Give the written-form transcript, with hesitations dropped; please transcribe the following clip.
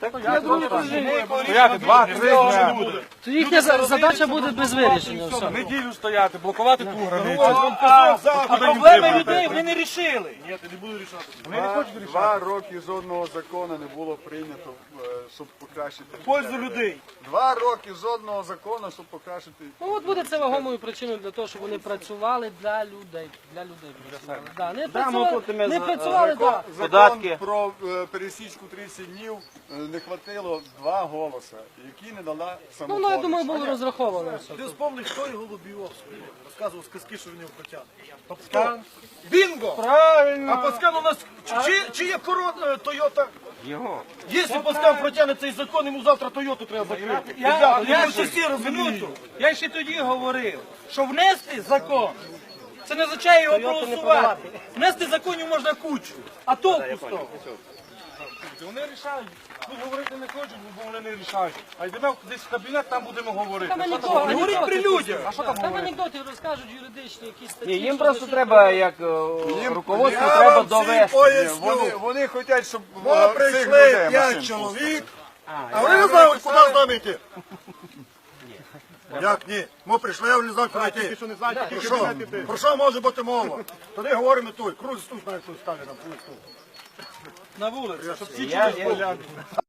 Стояти 2-3 дня. То їхня задача буде без вирішення. Все. Неділю стояти, блокувати ту границю. А проблеми людей ви не рішили. Ні, ти не буду рішати. 2 роки жодного закону не було прийнято, щоб покращити. Пользу людей. 2 роки жодного закону, щоб покращити. Ну от буде це вагомою причиною для того, щоб вони працювали для людей. Для людей працювали. Да, не працювали, да. Закон про пересічку 30 днів не хватило 2 голоси, які не дала Ну, самопоміч. я думаю, було розраховано все. Ти вспомни, хто його лобіював, розказував сказки, що він його протягне. Пацкан. Бінго! Правильно. А Пацкан у нас, чи є корона Тойота? Його. Якщо Пацкан протягне цей закон, йому завтра Тойоту треба закрити. Я ще всі розумію. Я ще тоді говорив, що внести закон, це не означає його проголосувати. Внести законів можна кучу, а толку з того. Вони рішають. Тут говорити не хочуть, бо вони не рішають. А йдемо десь в кабінет, там будемо говорити. Там анекдоти, Говоріть при людях. там анекдоти розкажуть юридичні якісь статті. Ні, їм що просто десь треба, як руководство, треба довести. Вони хочуть, щоб Ми цих прийшли людей 5 машин чоловік, а ви не знаєте, куди з нами йти? Як ні? Ми прийшли, я не знаю, куди йти. Про що може бути мова? Тоді говоримо тут. Круг тут, навіть тут ставлять нам. На вулиці. Щоб всі чули.